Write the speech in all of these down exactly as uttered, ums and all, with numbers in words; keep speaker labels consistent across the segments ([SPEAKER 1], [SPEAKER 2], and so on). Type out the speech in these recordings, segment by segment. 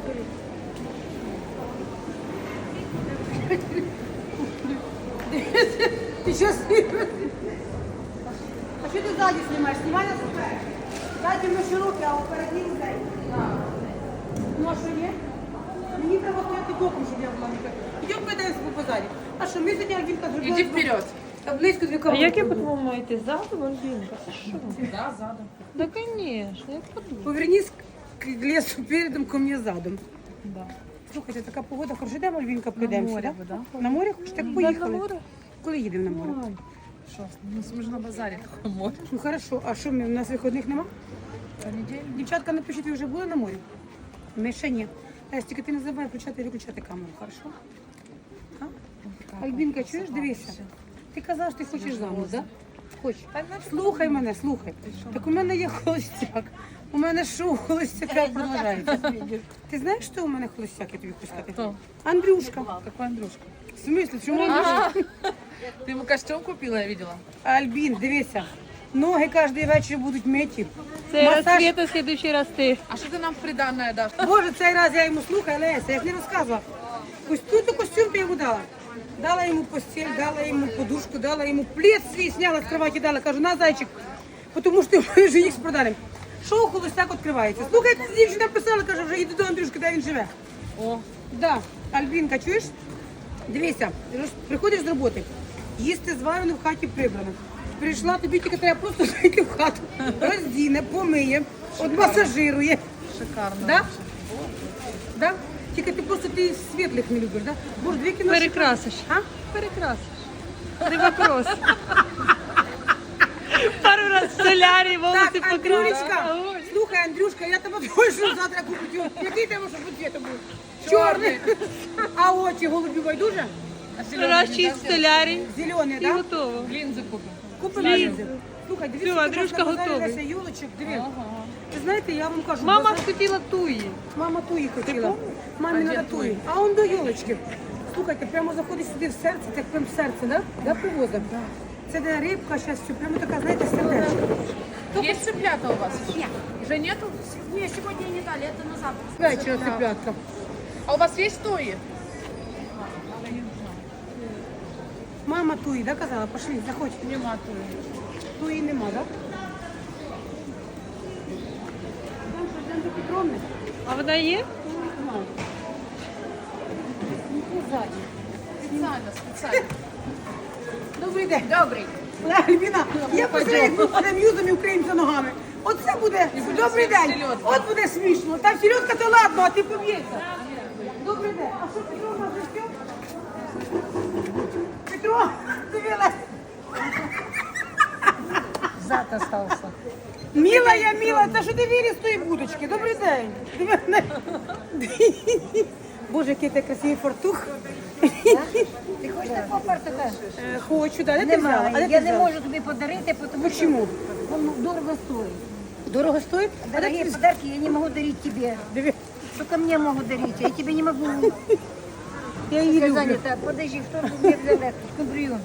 [SPEAKER 1] Ти що знімаєш? А що ти ззаді знімаєш? Знімай на себе. Ззаді ми широкі, а впереді людей. Ну а що є? Мені треба стояти боком, щоб я була не. Йдемо подивимося по базарі. А що, ми сьогодні Альбінка зробили?
[SPEAKER 2] Иди вперед.
[SPEAKER 1] Табличку дві
[SPEAKER 3] А
[SPEAKER 1] коробки.
[SPEAKER 3] як я по-твоєму йти? Задом, Альбінка? Це що?
[SPEAKER 2] Да, задом.
[SPEAKER 3] Да, звісно, я подумала.
[SPEAKER 1] Повернись к лесу передом, ко мне задом.
[SPEAKER 3] Да.
[SPEAKER 1] Слухайте, така погода, хорошо, йдемо, Альбінка, прийдемо
[SPEAKER 3] море
[SPEAKER 1] сюди?
[SPEAKER 3] би, да?
[SPEAKER 1] На море хочеш? Так
[SPEAKER 3] Да,
[SPEAKER 1] поїхали.
[SPEAKER 3] на море?
[SPEAKER 1] Коли їдемо на море?
[SPEAKER 3] Ой.
[SPEAKER 2] Что? Ну, мы же на базаре. Море.
[SPEAKER 1] Ну хорошо, а що, ми, у нас виходних нема?
[SPEAKER 2] Понедельник.
[SPEAKER 1] Дівчатка, напишіть, ви вже були на морі? Ми ще ні. Настя, тільки ти не забувай включати і виключати камеру, хорошо? А? Альбінка, чуєш, дивися. Ти казав, що ти хочеш замуж, так? Да? Хочеш? Слухай мене, слухай. Так у мене є холостяк. У мене шоу холостяка продовжується. Ти знаєш, що у мене холостяк, я тобі хочу сказати?
[SPEAKER 2] Хто?
[SPEAKER 1] Андрюшка.
[SPEAKER 2] Какой Андрюшка?
[SPEAKER 1] В смысле, чому Андрюшка?
[SPEAKER 2] Ты ему костюм купила, я видела.
[SPEAKER 1] Альбін, дивися. Ноги кожен вечір будуть миті.
[SPEAKER 3] Цей раз
[SPEAKER 1] Масаж.
[SPEAKER 3] Света, в следующий раз ти.
[SPEAKER 2] А что ты нам в приданное дашь?
[SPEAKER 1] Боже, цей раз я йому слухаю, Леся, я ж не розказувала. Ось тут костюм ти йому дала. Дала йому постіль, дала йому подушку, дала йому плед свій, сняла з кроваті, дала, кажу, на, зайчик, тому що ти вже їх продали. Шоу холостяк відкривається. Слухай, дівчина писала, каже, вже йди до Андрюшки, де він живе.
[SPEAKER 2] О,
[SPEAKER 1] Да, Альбінка, чуєш? Дивися, роз- приходиш з роботи, їсти зварено в хаті прибрано. Прийшла, тобі тільки треба просто зайти в хату, роздіне, помиє, одмасажирує.
[SPEAKER 2] шикарно.
[SPEAKER 1] Да? Да? Тільки ти просто ти світлих не любиш, да? Боже, дві кіно.
[SPEAKER 3] Перекрасиш.
[SPEAKER 1] А?
[SPEAKER 3] Перекрасиш. Не вопрос. Пару раз в солярі, волоси
[SPEAKER 1] Так,
[SPEAKER 3] покрасила.
[SPEAKER 1] Андрюшка, слухай, Андрюшка, я тебе точно завтра куплю. Який тебе, щоб цвіт був? Чорний. А очі голубі байдуже?
[SPEAKER 3] Раз чисть в солярі
[SPEAKER 1] Зелений,
[SPEAKER 3] і
[SPEAKER 1] да?
[SPEAKER 3] готово.
[SPEAKER 2] Линзы купим.
[SPEAKER 1] Купи
[SPEAKER 3] Ліза.
[SPEAKER 1] лінзи. Слухай, дивіться,
[SPEAKER 3] Все,
[SPEAKER 1] як у нас
[SPEAKER 3] Андрюшка
[SPEAKER 1] на базарі
[SPEAKER 3] готовий.
[SPEAKER 1] Леся юлочок, диви. Ви знаєте, я вам кажу,
[SPEAKER 3] Мама
[SPEAKER 1] базар-
[SPEAKER 3] хотіла туї.
[SPEAKER 1] Мама туї хотіла. Мамі
[SPEAKER 2] А
[SPEAKER 1] надо
[SPEAKER 2] де
[SPEAKER 1] туї. А он до юлочки. Слухайте, прямо заходиш сюди в серце, так прям в серце, да? Да, привозом? Це де рибка, зараз все, прямо така, знаєте, сердечко.
[SPEAKER 2] Есть цыплята у вас?
[SPEAKER 4] Нет.
[SPEAKER 2] Уже нету?
[SPEAKER 4] Нет, сегодня не дали, это на завтра.
[SPEAKER 1] Вечора цыплятка.
[SPEAKER 2] А у вас есть туи?
[SPEAKER 1] Мама туї, да, казала? Пошли, заходь.
[SPEAKER 2] Нема туи.
[SPEAKER 1] Туї нема, да? Там що, йдемо до Петровни?
[SPEAKER 3] А вона є?
[SPEAKER 1] Немає. Ну, ззаді.
[SPEAKER 2] Специально, специально.
[SPEAKER 1] Добрий день.
[SPEAKER 4] Добрый.
[SPEAKER 1] Альбіна, я посередині будемо юзом і українця ногами. Оце буде,
[SPEAKER 2] буде
[SPEAKER 1] добрий день.
[SPEAKER 2] селедка.
[SPEAKER 1] От буде смішно. Там селедка то ладно, а ти поб'єшся. Добрий день. А що Петро у нас вже все? Петро, дивилась.
[SPEAKER 4] Зад остался.
[SPEAKER 1] Міла я, міла, це що ти віриш з тої будочки? Добрий день. Диви мене. Боже, який ти красивий фартух.
[SPEAKER 4] Ти хочеш такого фартуха?
[SPEAKER 1] Е, Хочу, да, де ти взяла? А де
[SPEAKER 4] Немає.
[SPEAKER 1] ти
[SPEAKER 4] Я не
[SPEAKER 1] взяла?
[SPEAKER 4] можу тобі подарити, тому що
[SPEAKER 1] Чому?
[SPEAKER 4] воно дорого стоїть.
[SPEAKER 1] Дорого стоїть? А де
[SPEAKER 4] Дорогие
[SPEAKER 1] ти-
[SPEAKER 4] подарки я не могу дарить тебе.
[SPEAKER 1] Диви,
[SPEAKER 4] Только мне могут дарить, а я тебе не могу.
[SPEAKER 1] я її
[SPEAKER 4] Я
[SPEAKER 1] люблю.
[SPEAKER 4] занята. Подожди, кто же мне взял скумбрию?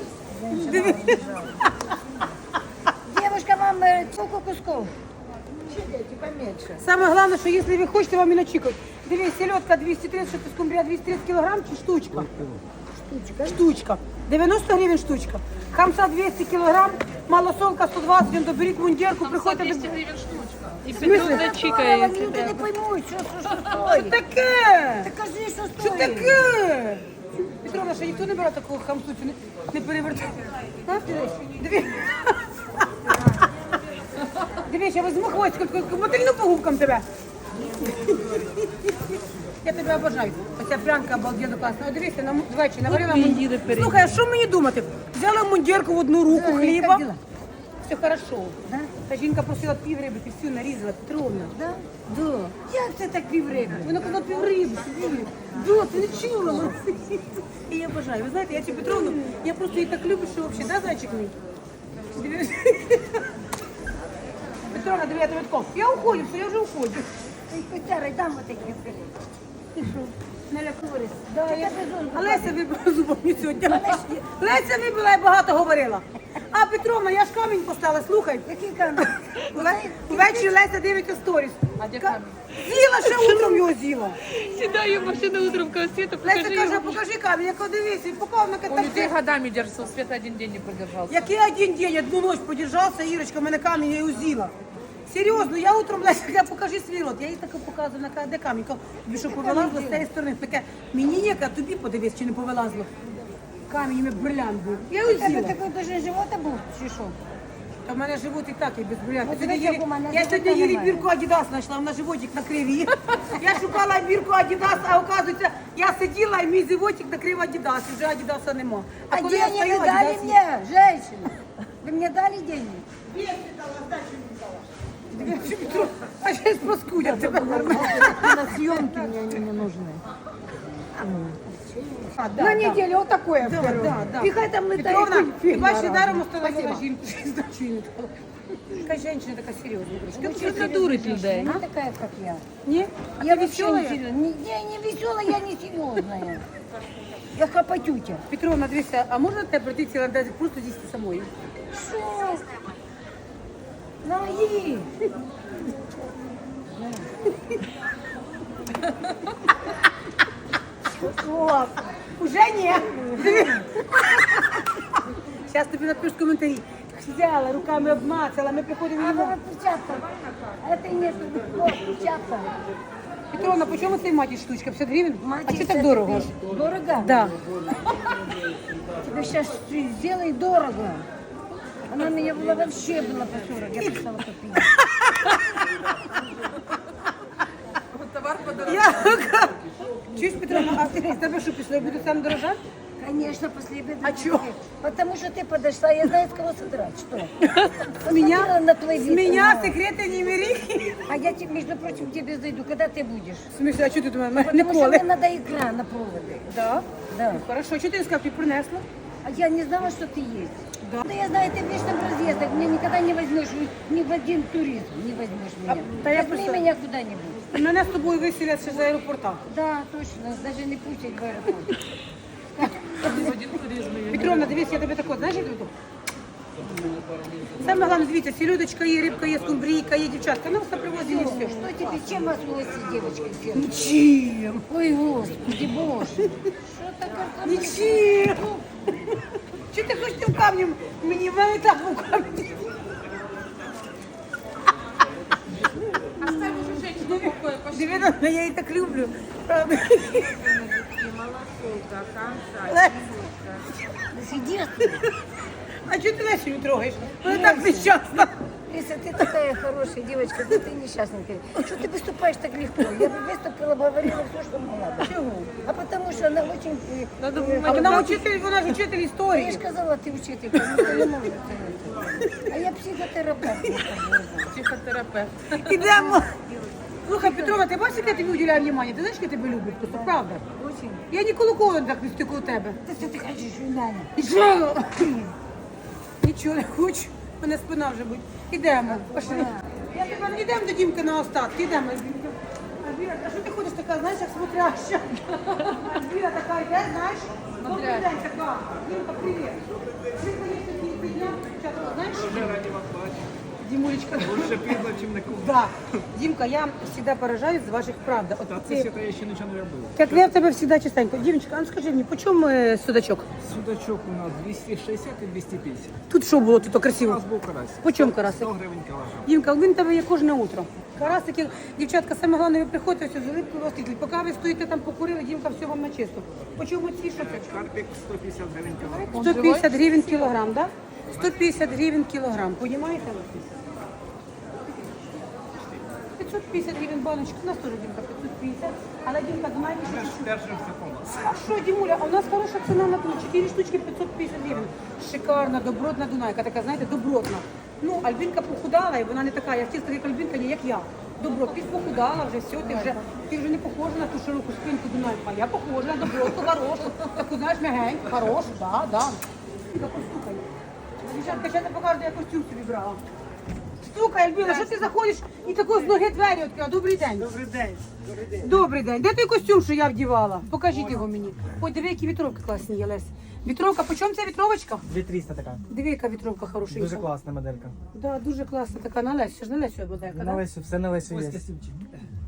[SPEAKER 4] Девушка, вам э, сколько кусков? Поменьше.
[SPEAKER 1] Саме головне, що якщо ви хочете, вам і начікають. Дивись, селедка двісті тридцять, скумбрія двісті тридцять кілограм чи штучка? Штучка. Штучка. дев'яносто гривень штучка. Хамса двісті кілограм, малосолка сто двадцять, він доберіть мундірку, приходьте
[SPEAKER 2] двести
[SPEAKER 1] до...
[SPEAKER 2] гривен штучка.
[SPEAKER 3] І
[SPEAKER 1] смислі?
[SPEAKER 3] Петро
[SPEAKER 4] Ой,
[SPEAKER 3] зачікається.
[SPEAKER 4] люди не поймут, что, что, что
[SPEAKER 1] Що
[SPEAKER 4] стоит.
[SPEAKER 1] таке?
[SPEAKER 4] Так скажи, что
[SPEAKER 1] Що
[SPEAKER 4] стоит.
[SPEAKER 1] таке? Петровна, що ніхто не бере такого хамсу, чи не, не перевертає? А? Дивись. Дивись, я візьму хвостик, мотильну по губкам тебе. Я тебе обожаю. Оця прянка обалденно класна. О, дивися, на ввечері наварила
[SPEAKER 3] От ми
[SPEAKER 1] мундір.
[SPEAKER 3] їли перед.
[SPEAKER 1] Слухай, а що мені думати? Взяла мундірку в одну руку,
[SPEAKER 4] Да,
[SPEAKER 1] хліба.
[SPEAKER 4] як діла?
[SPEAKER 1] Все хорошо.
[SPEAKER 4] Да?
[SPEAKER 1] Та жінка просила пів риби, ти всю нарізала, Петровна.
[SPEAKER 4] Да?
[SPEAKER 1] Да.
[SPEAKER 4] Як це так півриби?
[SPEAKER 1] Вона казала пів риби, сиділи. Да, ти не чула. І я бажаю. Ви знаєте, я цю Петровну, я просто її так люблю, що взагалі, да, зайчик мій? Диви. Петровна, диви, я тебе тако. Я уходжу, все, я вже уходжу.
[SPEAKER 4] Ой, котяра, дам вот такі.
[SPEAKER 1] Ти що?
[SPEAKER 4] Не лякурись.
[SPEAKER 1] Да,
[SPEAKER 4] Це
[SPEAKER 1] я...
[SPEAKER 4] тебе зон.
[SPEAKER 1] А Леся вибила зубами сьогодні. Леся вибила, я багато говорила. А Петровна, я ж камінь поставила, слухай.
[SPEAKER 4] Який камінь?
[SPEAKER 1] Ввечері Леся дивиться сторіс.
[SPEAKER 2] А де камінь?
[SPEAKER 1] З'їла, ще утром його з'їла.
[SPEAKER 3] Сідаю в машину утром в світу,
[SPEAKER 1] Леся
[SPEAKER 3] покажи
[SPEAKER 1] каже,
[SPEAKER 3] йому.
[SPEAKER 1] покажи камінь, я кажу, дивись, і поклав на
[SPEAKER 2] У людей
[SPEAKER 1] катапці.
[SPEAKER 2] годами держится, Света один день не продержался.
[SPEAKER 1] Який один день, одну ночь подержався, Ірочка, мене камінь, я його з'їла. Серйозно, я утром, Леся, я покажи свій рот. Я їй таке показую, на каже, де камінь. Кажу, тобі що повилазло з цієї сторони? Таке, мені ніяка, тобі подивись, чи не повилазло. Камінь, у брилянт був. Я його
[SPEAKER 4] Тебе
[SPEAKER 1] з'їла.
[SPEAKER 4] такий дуже живота був, чи що?
[SPEAKER 1] Та в мене живот і так, і без брилянту.
[SPEAKER 4] От
[SPEAKER 1] Сьогодні
[SPEAKER 4] дивись,
[SPEAKER 1] Юрі-
[SPEAKER 4] як у мене
[SPEAKER 1] Я
[SPEAKER 4] живота
[SPEAKER 1] сьогодні Юрі
[SPEAKER 4] немає.
[SPEAKER 1] бірку Адідас знайшла, вона животик на криві. Я шукала бірку Адідас, а оказується, я сиділа і мій животик накрив Адідас, і вже Адідаса нема.
[SPEAKER 4] А
[SPEAKER 1] коли я
[SPEAKER 4] деньги
[SPEAKER 1] стою,
[SPEAKER 4] вы дали
[SPEAKER 1] Адідас є.
[SPEAKER 4] мне, женщина? Вы мне дали деньги?
[SPEAKER 1] А зараз проскудять тебе.
[SPEAKER 4] На съемки мне они не нужны.
[SPEAKER 1] А, да,
[SPEAKER 4] На
[SPEAKER 1] да.
[SPEAKER 4] неделю вот такое
[SPEAKER 1] Да,
[SPEAKER 4] вперед.
[SPEAKER 1] да, да.
[SPEAKER 4] Пихай там
[SPEAKER 1] Петровна,
[SPEAKER 4] летает.
[SPEAKER 1] ти бачиш, даром остановила жінку, що здачу їй не дала. Яка жінка така серйозна. Ти
[SPEAKER 3] Це дурить людей.
[SPEAKER 4] Не такая, как я.
[SPEAKER 1] Ні? А
[SPEAKER 4] Я
[SPEAKER 1] ти
[SPEAKER 4] вообще
[SPEAKER 1] весела?
[SPEAKER 4] не серьезная. Не, не, не веселая, я не серьезная. Я хапатютя.
[SPEAKER 1] Петровна, дивися, а можна тебе прийти ціла десь просто з'їсти самою?
[SPEAKER 4] Что? На, ей.
[SPEAKER 1] О, уже ні. Зараз тобі напишу коментарі. Взяла, руками обмацала, ми приходимо
[SPEAKER 4] А
[SPEAKER 1] на
[SPEAKER 4] вот печатка. Это нет, вот печатка.
[SPEAKER 1] Петровна, по чому цей матір штучка? п'ятдесят гривень? А
[SPEAKER 4] Мать,
[SPEAKER 1] чи
[SPEAKER 4] это
[SPEAKER 1] так дорого?
[SPEAKER 4] ты- Дорого?
[SPEAKER 1] Да.
[SPEAKER 4] Тебе сейчас сделай дорого. Она меня была вообще была по сорок, я писала копейки.
[SPEAKER 2] Товар подорожал.
[SPEAKER 1] Я чуєш, Петровна, а ти з тебе що пішло? Я буду сам дорожати?
[SPEAKER 4] Конечно, после обеда.
[SPEAKER 1] А чё?
[SPEAKER 4] Потому что ты подошла, я знаю, с кого содрать. Что?
[SPEAKER 1] С меня?
[SPEAKER 4] Посмотрела на твой
[SPEAKER 1] З
[SPEAKER 4] вид,
[SPEAKER 1] мене
[SPEAKER 4] да.
[SPEAKER 1] секрети не бери.
[SPEAKER 4] А я, тебе, между прочим, к тебе зайду. Когда ты будешь?
[SPEAKER 1] В смысле, а що ти до мене?
[SPEAKER 4] Потому что
[SPEAKER 1] Ніколи.
[SPEAKER 4] мне надо игра на проводы.
[SPEAKER 1] Да?
[SPEAKER 4] Да.
[SPEAKER 1] Ну, хорошо, що ти не сказав, ти принесла?
[SPEAKER 4] А я не знала, что ты есть.
[SPEAKER 1] Да.
[SPEAKER 4] Да я знаю, ты в личном разъездах. Меня никогда не возьмешь ни в один туризм. Не возьмешь меня.
[SPEAKER 1] да я
[SPEAKER 4] Возьми
[SPEAKER 1] просто-
[SPEAKER 4] меня куда-нибудь.
[SPEAKER 1] Мене з тобою виселять ще з аеропорта.
[SPEAKER 4] Да, точно. Даже не пустить в аэропорт.
[SPEAKER 2] В один туризм ее.
[SPEAKER 1] Петровна, дивись, я тебе тако, знаєш, я тобі тако? Саме головне, дивіться, селедочка є, рибка є, скумбрійка є, дівчатка. Нам все привозили і все.
[SPEAKER 4] Что тебе, чем вас гости, девочки, делают?
[SPEAKER 1] Нічим.
[SPEAKER 4] Ой, господи, боже. Что такое?
[SPEAKER 1] Нічим. Чи ти хочеш тим камнем? Мені в мене так був камінь.
[SPEAKER 2] Оставь уже женщину в покое, пошли.
[SPEAKER 1] Дивіться, я її так люблю. Правда. Лесь,
[SPEAKER 4] Сидишь?
[SPEAKER 1] а чого ти Лесю не трогаєш? Вона так нещасна.
[SPEAKER 4] Лиса, ты такая хорошая девочка, да ты несчастненькая. Что ты выступаешь так легко? Я бы выступила, бы говорила все, что мне надо.
[SPEAKER 1] Чого?
[SPEAKER 4] А потому что она очень... э,
[SPEAKER 3] Надо
[SPEAKER 4] э,
[SPEAKER 1] А вона учитель, вона ж учитель
[SPEAKER 4] Я
[SPEAKER 1] історії.
[SPEAKER 4] же сказала, ты учителька, ну, ты не можешь это. А я психотерапевт. я так говорю.
[SPEAKER 2] Психотерапевт.
[SPEAKER 1] Ідемо. Слухай, Петровна, ти бачиш, як я тобі уділяю увагу? Ти знаєш, як я тебе люблю? Просто правда.
[SPEAKER 4] Очень.
[SPEAKER 1] Я ніколи кого так не стикаю у тебе.
[SPEAKER 4] Ты что ты хочешь, Юляня?
[SPEAKER 1] І що? Нічого не хочу. У мене спина вже буде. Ідемо. Пошли. Я тебе йдемо до Дімки на остатки. Ідемо. Альбінка. Альбіна, а що ти ходиш така, знаєш, як смотряща? Альбіна така йде, знаєш? Добрий
[SPEAKER 5] Смотряща.
[SPEAKER 1] день, така. Дімка, привіт. Ми, конечно, не підняли, дівчата, знаєш?
[SPEAKER 5] Дуже раді вас бачити.
[SPEAKER 1] Дімулечка.
[SPEAKER 5] Лучше пізно, чим ніколи.
[SPEAKER 1] Да. Дімка, я завжди поражаюсь з ваших правд. От
[SPEAKER 5] Та
[SPEAKER 1] ти-
[SPEAKER 5] це свята я ще нічого не робив.
[SPEAKER 1] Як я в тебе завжди чистенько. Дімочка, а ну скажи мені, по чому е, судачок?
[SPEAKER 5] Судачок у нас двісті шістдесят і двісті п'ятдесят.
[SPEAKER 1] Тут що було, тут
[SPEAKER 5] У
[SPEAKER 1] красиво?
[SPEAKER 5] нас був карась.
[SPEAKER 1] По чому карасик?
[SPEAKER 5] сто гривень кілограм.
[SPEAKER 1] Дімка, він тебе є кожне утро. Карасики, дівчатка, саме головне, ви приходите ось з улипкою розтіклі. Поки ви стоїте там покурили, Дімка, все вам на чисто. По чому ці, що це?
[SPEAKER 5] Карпік сто п'ятдесят гривень кілограм.
[SPEAKER 1] сто п'ятдесят гривень кілограм, да? сто п'ятдесят гривень кілограм, понімаєте? п'ятсот п'ятдесят гривень баночка, у нас теж, Дімка, п'ятсот п'ятдесят. Але, Дімка, знаєте, що
[SPEAKER 5] Теж держимося по нас.
[SPEAKER 1] А що, Дімуля, а у нас хороша ціна на ту, чотири штучки п'ятсот п'ятдесят гривень. Шикарна, добротна Дунайка, така, знаєте, добротна. Ну, Альбінка похудала, і вона не така, я чисто як Альбінка, не як я. Добро, ти похудала вже, все, ти вже, ти вже не похожа на ту широку спинку Дунайку, а я похожа на добротку, хорошу, таку, знаєш, мягеньку, хорошу, да, да. Тільки постукай. Дівчатка, ще не покажу, де я костюм собі брала. Стукай, Альбіна, що ти заходиш і тако з ноги двері відкрила? Добрий день.
[SPEAKER 5] Добрий день. Добрий день.
[SPEAKER 1] Добрий день. Де той костюм, що я вдівала? Покажіть його мені. Ой, диви, які вітровки класні є, Лесь. Вітровка, по чому ця вітровочка?
[SPEAKER 6] дві триста така.
[SPEAKER 1] Диви, яка вітровка хорошенька.
[SPEAKER 6] Дуже класна моделька.
[SPEAKER 1] Да, дуже класна така. На Лесю, ж на Лесю моделька,
[SPEAKER 6] На
[SPEAKER 1] да?
[SPEAKER 6] Лесю, все на Лесю
[SPEAKER 5] Ось
[SPEAKER 6] є.
[SPEAKER 5] костюмчик.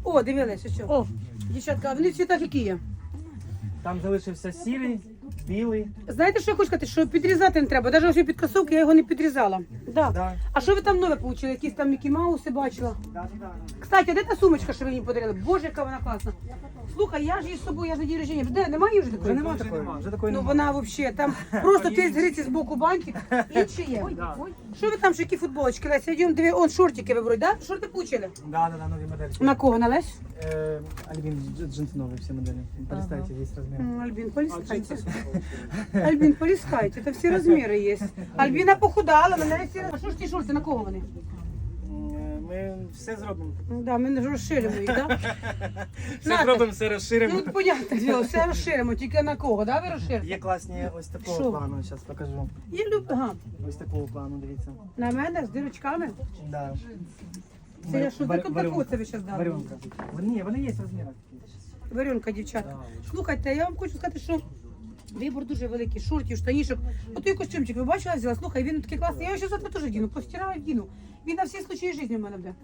[SPEAKER 1] О, дивилися, що.
[SPEAKER 3] О.
[SPEAKER 1] Дівчатка, а вони в цвітах які є?
[SPEAKER 5] Там залишився сірий, білий.
[SPEAKER 1] Знаєте, що я хочу сказати? Що підрізати не треба. Навіть ось під кросовки я його не підрізала. Да.
[SPEAKER 5] Да.
[SPEAKER 1] А що ви там нове отримали? Якісь там Мікі Мауси бачила?
[SPEAKER 5] Да, да.
[SPEAKER 1] Кстати, а де та сумочка, що ви мені подарили? Боже, яка вона класна. Слухай, я ж її з собою, я за день рождення. Де, немає вже такої?
[SPEAKER 5] Вже нема такої. Вже такої
[SPEAKER 1] Ну
[SPEAKER 5] нема.
[SPEAKER 1] вона взагалі, там просто ти з гриці з боку бантик, інші є.
[SPEAKER 5] Да.
[SPEAKER 1] Що ви там, що які футболочки? Леся, йдемо, диви, он шортики виберуть, да? Шорти получили?
[SPEAKER 5] Да, да, да, нові моделі.
[SPEAKER 1] На кого, на Лесь?
[SPEAKER 5] Е, Альбін, дж- джинси нові всі моделі. Полистайте, є розмір.
[SPEAKER 1] М, Альбин, полискайте. Альбин, полискайте, это все размеры есть. Альбина похудала, на неї всі... А що ж ті шорти, на кого вони?
[SPEAKER 5] Е, Ми все зробимо.
[SPEAKER 1] Да, ми не розширимо їх, да?
[SPEAKER 5] Все
[SPEAKER 1] Нате.
[SPEAKER 5] зробимо, все розширимо.
[SPEAKER 1] Ну, понятно, діло, все розширимо, тільки на кого, да, ви розширите?
[SPEAKER 5] Є класні ось такого
[SPEAKER 1] Що?
[SPEAKER 5] плану, зараз покажу.
[SPEAKER 1] Я люблю, ага,
[SPEAKER 5] Ось такого плану, дивіться.
[SPEAKER 1] на мене з дирочками.
[SPEAKER 5] Да.
[SPEAKER 1] Це я що,
[SPEAKER 5] Вар-
[SPEAKER 1] таку
[SPEAKER 5] варіонка.
[SPEAKER 1] таку це ви зараз дали?
[SPEAKER 5] Варіонка. Ні, вони є розміри.
[SPEAKER 1] Варенка, дівчатка. Слухайте, я вам хочу сказати, що вибор дуже великий, шортів, штанішок. Отой костюмчик, ви бачили, я взяла, слухай, він такий класний. Я його ще завтра теж вдіну, постираю, вдіну. Він на всі случаї життя в мене буде.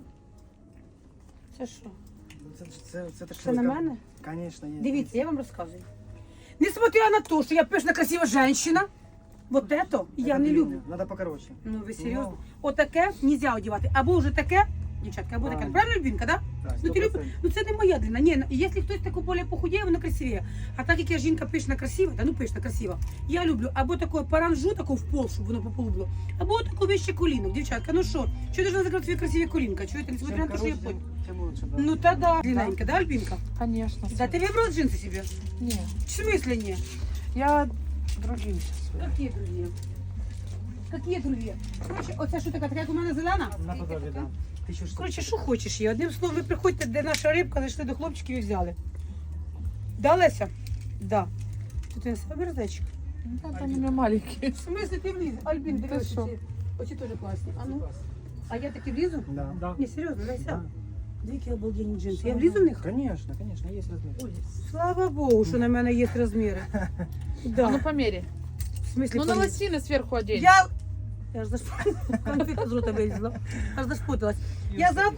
[SPEAKER 1] Це що?
[SPEAKER 5] Це, це, це, це,
[SPEAKER 1] Це на мене?
[SPEAKER 5] Звісно, є.
[SPEAKER 1] Дивіться, я вам розказую. Несмотря на те, що я пишна, красива жінка, вот это я не люблю.
[SPEAKER 5] Надо покороче.
[SPEAKER 1] Ну ви серйозно? Отаке нельзя одягати. Або вже таке, дівчатка, або таке.
[SPEAKER 5] Правильно.
[SPEAKER 1] Правильно, Любінка, да?
[SPEAKER 5] Так,
[SPEAKER 1] Ну, ти люб...
[SPEAKER 5] сто процентів.
[SPEAKER 1] ну це не моя длина. Ні, якщо хтось таку більш похудіє, вона красивіє. А так як я жінка пишна, красива, та ну пишна, красива, я люблю або таку паранжу, таку в пол, щоб воно по полу було, або таку вище колінок. Дівчатка, ну що, що ти ж закрити свої красиві колінка? Чуєте, несмотря на те, що я
[SPEAKER 5] Тим
[SPEAKER 1] понял.
[SPEAKER 5] коротше, тим лучше, да.
[SPEAKER 1] Ну та да. Длинненька, да, Альбінка?
[SPEAKER 3] Конечно.
[SPEAKER 1] Да, ти вибрала джинси себе?
[SPEAKER 3] Не.
[SPEAKER 1] В смысле не?
[SPEAKER 3] Я другие сейчас.
[SPEAKER 1] Какие другие? Какие другие? Короче, оце що така, така як у мене зелена?
[SPEAKER 5] Наподобі, да. Тисячу штук.
[SPEAKER 1] Коротше, що хочеш є. Одним словом, ви приходьте, де наша рибка, зайшли до хлопчиків і взяли. Да, Леся? Да. Тут він себе зайчик.
[SPEAKER 3] Ну, там они у меня маленькие.
[SPEAKER 1] В смислі ти вліз? Альбін, дивись,
[SPEAKER 3] що?
[SPEAKER 1] оці. Оці теж класні. А ну? А я таки влізу?
[SPEAKER 5] Да. Да.
[SPEAKER 1] Ні, серйозно, Леся.
[SPEAKER 5] Да.
[SPEAKER 1] Дві обалденні джинси. Я влізу в них?
[SPEAKER 5] Конечно, конечно, є розмір.
[SPEAKER 1] Слава Богу, що на мене є розміри.
[SPEAKER 3] А ну
[SPEAKER 1] Да.
[SPEAKER 3] померяй.
[SPEAKER 1] В смислі,
[SPEAKER 3] Ну на
[SPEAKER 1] поміряй?
[SPEAKER 3] лосины сверху одень.
[SPEAKER 1] Я... Я ж зашпуталась. Конфетка з рота вилізла. Аж зашпуталась. Я за...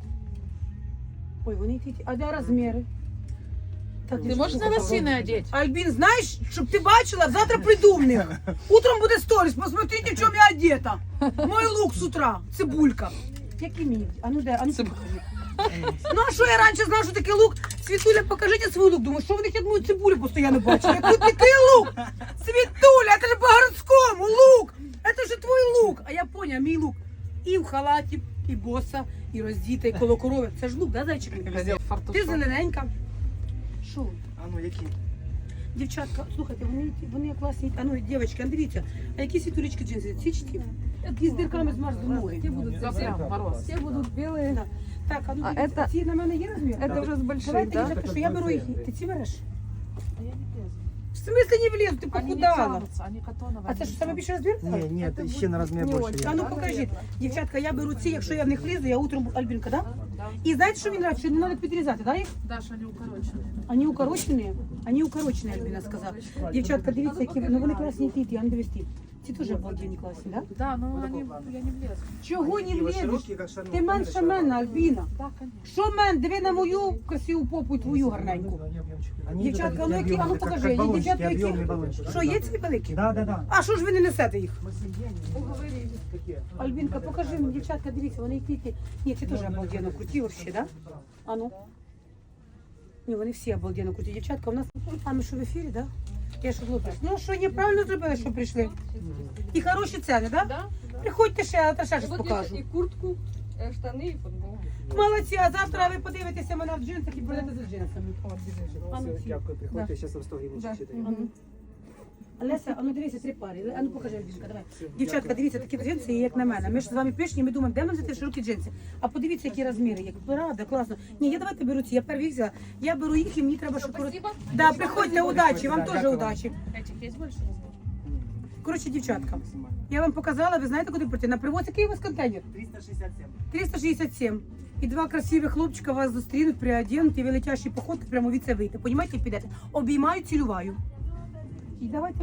[SPEAKER 1] Ой, вони ті... А де розміри? Так,
[SPEAKER 3] Ты можешь на лосины одеть?
[SPEAKER 1] Альбін, знаєш, щоб ти бачила, завтра прийду в них. Утром буде сторіс, посмотрите, в чому я одета. Мой лук з утра, цибулька. Який мені? А ну де? А ну покажи. Ну а що я раніше знала, що таке лук? Світуля, покажіть свій лук. Думаю, що ви я мою цибулю постійно бачу. Я тут такий лук. Світуля, це ж по-городському лук. Це ж твій лук. А я поняла, мій лук. І в халаті, і боса, і роздіта, і коло корови. Це ж лук, да, зайчик? Ти зелененька. Що?
[SPEAKER 5] А ну, які?
[SPEAKER 1] Дівчатка, слухайте, вони, вони класні. А ну, дівчатки, а дивіться, а які світулечки джинси? Ці чи ті? Які з дирками змерзли ноги.
[SPEAKER 3] Те будут совсем мороз.
[SPEAKER 4] Все будут белые.
[SPEAKER 1] Да. Так, а ну
[SPEAKER 4] А
[SPEAKER 1] дивіться,
[SPEAKER 4] это-
[SPEAKER 1] ці на мене є розмір?
[SPEAKER 4] Это уже с больших,
[SPEAKER 1] Давайте,
[SPEAKER 4] да?
[SPEAKER 1] дівчатка, що я беру їх. Ти ці береш?
[SPEAKER 3] А я не влезу.
[SPEAKER 1] В смислі не влізу, ти
[SPEAKER 3] Они не
[SPEAKER 1] похудала.
[SPEAKER 3] тянутся, они катоновые.
[SPEAKER 1] А це що, саме більше розмір?
[SPEAKER 5] Ні, ні, ще на розмір
[SPEAKER 4] не
[SPEAKER 5] більше
[SPEAKER 4] очень.
[SPEAKER 1] А
[SPEAKER 5] є.
[SPEAKER 1] ну покажіть. Дівчатка, я беру ці, якщо я в них влізу, я утром буду- Альбінка, да?
[SPEAKER 3] Да.
[SPEAKER 1] І знаєте, що мені нравиться? Що не треба підрізати, да, їх?
[SPEAKER 3] Даша, они укороченные.
[SPEAKER 1] Они укорочені? Они укорочені, Альбіна сказала. Дівчатка, дивіться, які, ну вони класні ті, а не дивись. Ці теж обалденні класні, да?
[SPEAKER 3] Да, но они, я не влезу.
[SPEAKER 1] Чого не
[SPEAKER 5] Такі ось
[SPEAKER 1] влізеш?
[SPEAKER 5] широкі, як шарманка,
[SPEAKER 1] Ти менше
[SPEAKER 5] широка.
[SPEAKER 1] мене, Альбіна.
[SPEAKER 3] Да, конечно.
[SPEAKER 1] Що мен? Диви на мою красиву попу і твою гарненьку.
[SPEAKER 5] Вони
[SPEAKER 1] Дівчатка,
[SPEAKER 5] такі
[SPEAKER 1] ну які, а ну
[SPEAKER 5] об'ємні,
[SPEAKER 1] покажи,
[SPEAKER 5] як
[SPEAKER 1] є
[SPEAKER 5] балончики,
[SPEAKER 1] дівчатка,
[SPEAKER 5] об'ємні
[SPEAKER 1] які?
[SPEAKER 5] балончики.
[SPEAKER 1] Що, є ці великі?
[SPEAKER 5] Да, да, да.
[SPEAKER 1] А що ж ви не несете їх?
[SPEAKER 5] Уговорили.
[SPEAKER 1] Альбінка, покажи мені, дівчатка, дивіться, вони які. Ні, ці теж обалденно круті вообще, да? А ну. Ні, вони всі обалденно круті. Дівчатка, у нас, а ми що в ефірі, да? Я що глупець. Ну що, неправильно зробили, що прийшли? І хороші ціни, да?
[SPEAKER 4] Да?
[SPEAKER 1] Приходьте ще, я ще щось
[SPEAKER 4] Вот
[SPEAKER 1] покажу.
[SPEAKER 4] есть и куртку, э, штаны, и футболку.
[SPEAKER 1] Молодці, а завтра ви подивитеся мене в джинсах і будете за джинсами. А ну, ці.
[SPEAKER 5] Дякую, приходьте, зараз вам сто гривень
[SPEAKER 4] Да.
[SPEAKER 5] читаю.
[SPEAKER 1] А ну. Леся, а ну дивіться, три пари. А ну покажи, Альбінка, давай. Дівчатка, дивіться, такі джинси є, як на мене. Ми ж з вами пишні, ми думаємо, де нам взяти широкі джинси. А подивіться, які розміри є. Правда, класно. Ні, я давайте беру ці, я перші їх взяла. Я беру їх і мені треба, щоб...
[SPEAKER 4] Спасибо.
[SPEAKER 1] Да, приходьте, удачі, вам
[SPEAKER 5] Да,
[SPEAKER 1] теж
[SPEAKER 5] дякую.
[SPEAKER 1] удачі.
[SPEAKER 3] Этих есть больше размеров?
[SPEAKER 1] Коротше, дівчатка, я вам показала, ви знаєте, куди прийти? На привоз, який у вас контейнер?
[SPEAKER 5] триста шістдесят сім.
[SPEAKER 1] триста шістдесят сім. І два красивих хлопчика вас зустрінуть, приоденуть, і ви летящі походки прямо від це вийти. Понімаєте, підете? Обіймаю, цілюваю. І давайте.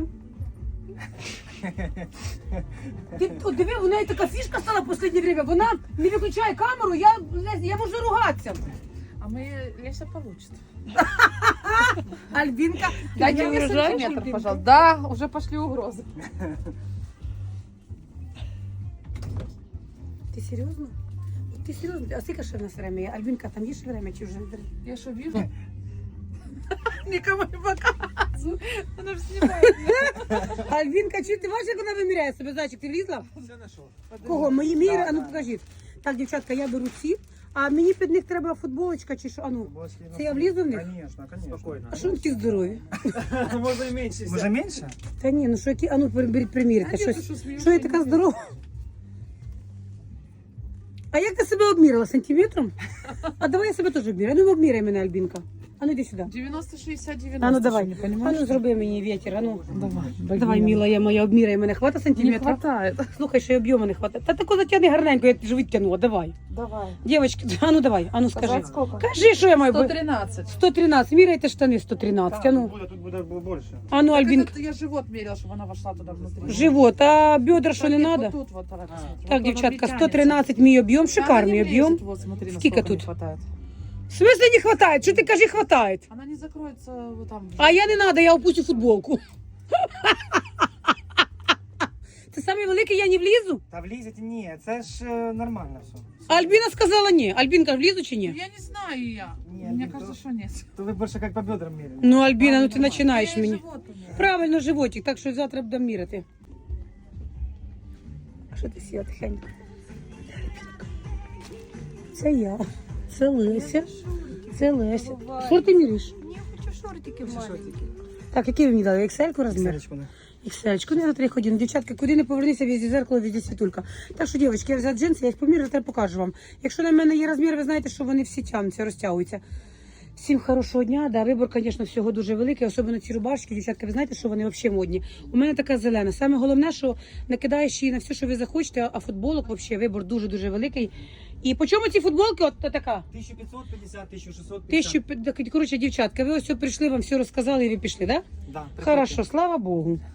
[SPEAKER 1] Ти от диви, у неї така фішка стала в останнє время. Вона не виключає камеру, я, я можу ругатися.
[SPEAKER 3] А мы Леся получит.
[SPEAKER 1] Альбинка,
[SPEAKER 2] Дайте
[SPEAKER 1] я
[SPEAKER 2] мне
[SPEAKER 1] вырожаю,
[SPEAKER 2] сантиметр,
[SPEAKER 1] Альбинка.
[SPEAKER 2] пожалуйста. Да, уже пошли угрозы.
[SPEAKER 1] Ти серйозно? От Ти серйозно? А скільки ще в нас время є? Альбінка, там є ще время чи вже?
[SPEAKER 3] Я что вижу?
[SPEAKER 2] Никому не показываю. Она же снимает.
[SPEAKER 1] Альбінка, чи ти бачиш, як вона виміряє себе? Зайчик, ти влізла?
[SPEAKER 5] Все нашел.
[SPEAKER 1] Кого? Мої міри? А ну покажіть. Так, дівчатка, я беру ці. А мені під них треба футболочка чи що? А ну, це я влізу в них?
[SPEAKER 5] Конечно, конечно. Спокойно.
[SPEAKER 1] А що вони такі здорові?
[SPEAKER 5] Можно и меньше. Уже меньше?
[SPEAKER 1] Та ні, ну що які, а ну беріть примірити.
[SPEAKER 2] А ні,
[SPEAKER 1] Щось.
[SPEAKER 2] ти що, смієшся?
[SPEAKER 1] Що я така здорова? А як ти себе обмірила? Сантиметром? А давай я себе теж обміряю. Ну обміряй мене, Альбінка. А ну йди сюди.
[SPEAKER 3] девяносто шестьдесят девяносто.
[SPEAKER 1] А ну давай.
[SPEAKER 3] Не
[SPEAKER 1] А
[SPEAKER 3] понимаешь?
[SPEAKER 1] ну зроби мені вітер. А ну.
[SPEAKER 3] Давай.
[SPEAKER 1] Давай, мила я моя, обміряй мене. Хвата
[SPEAKER 3] Не
[SPEAKER 1] сантиметра?
[SPEAKER 3] хватает.
[SPEAKER 1] Слухай, що й об'єму не хватає. Та тако затягни гарненько, я ж відтягнула. Давай.
[SPEAKER 3] Давай.
[SPEAKER 1] Дівчатки, а ну давай, а ну скажи.
[SPEAKER 3] Сказать сколько?
[SPEAKER 1] Кажи, що я маю.
[SPEAKER 3] сто
[SPEAKER 1] бу-
[SPEAKER 3] тринадцать.
[SPEAKER 1] сто тринадцять. Міряйте штани сто тринадцять. А ну.
[SPEAKER 5] Тут будет, тут будет больше.
[SPEAKER 1] А ну,
[SPEAKER 3] Так
[SPEAKER 1] Альбінка.
[SPEAKER 3] это я живот мерила, чтобы она вошла туда внутри.
[SPEAKER 1] Живот, а бедра що не
[SPEAKER 3] Нет,
[SPEAKER 1] надо?
[SPEAKER 3] Вот тут вот, давай посмотрим.
[SPEAKER 1] Так,
[SPEAKER 3] Вот она
[SPEAKER 1] дівчатка,
[SPEAKER 3] не
[SPEAKER 1] сто
[SPEAKER 3] тянется.
[SPEAKER 1] тринадцять мій об'єм,
[SPEAKER 3] Да,
[SPEAKER 1] шикарний
[SPEAKER 3] она не
[SPEAKER 1] об'єм.
[SPEAKER 3] влезет, Вот смотри,
[SPEAKER 1] Сколько
[SPEAKER 3] насколько
[SPEAKER 1] тут?
[SPEAKER 3] не хватает.
[SPEAKER 1] В смысле не хватает? Що ти кажи, хватает?
[SPEAKER 3] Она не закроется вот там.
[SPEAKER 1] А я не надо, я опущу футболку. Це самий великий, я не влізу?
[SPEAKER 5] Та влізете, ні, це ж е, нормально все.
[SPEAKER 1] Альбіна сказала ні. Альбінка, влізу чи ні?
[SPEAKER 3] Я не знаю я.
[SPEAKER 5] Не,
[SPEAKER 3] Мне
[SPEAKER 5] не
[SPEAKER 3] кажется,
[SPEAKER 5] то.
[SPEAKER 3] что нет.
[SPEAKER 5] То ви більше як по бедрам міряли.
[SPEAKER 1] Ну, Альбіна, ну ти
[SPEAKER 3] Нормально.
[SPEAKER 1] починаєш
[SPEAKER 3] Я и
[SPEAKER 1] мені.
[SPEAKER 3] живот умею.
[SPEAKER 1] Правильно, животик, так що завтра будемо міряти. А що ти сіла тихенько? Це я, це Леся, це Леся. Що ти міряєш?
[SPEAKER 4] Не хочу шортики маленькие.
[SPEAKER 1] Так, який ви мені дали? Іксельку розмір?
[SPEAKER 5] Сарочку, не.
[SPEAKER 1] Іксельку, не на три ходини. Дівчатка, куди не повернися, везде зеркало, везде світулька. Так що, дівчатки, я взяла джинси, я їх поміряю, тепер покажу вам. Якщо на мене є розмір, ви знаєте, що вони всі тягнуться, розтягуються. Всім хорошого дня. Да, вибор, звісно, всього дуже великий, особливо ці рубашки. Дівчатка, ви знаєте, що вони взагалі модні. У мене така зелена. Саме головне, що накидаєш її на все, що ви захочете, а футболок взагалі вибор дуже-дуже великий. І по чому ці футболки? От така.
[SPEAKER 5] тисяча п'ятсот п'ятдесят, тисяча шістсот п'ятдесят.
[SPEAKER 1] Тисячу, коротше, дівчатка, ви ось все прийшли, вам все розказали і ви пішли, так? Да?
[SPEAKER 5] Да, приходьте.
[SPEAKER 1] Хорошо, слава Богу.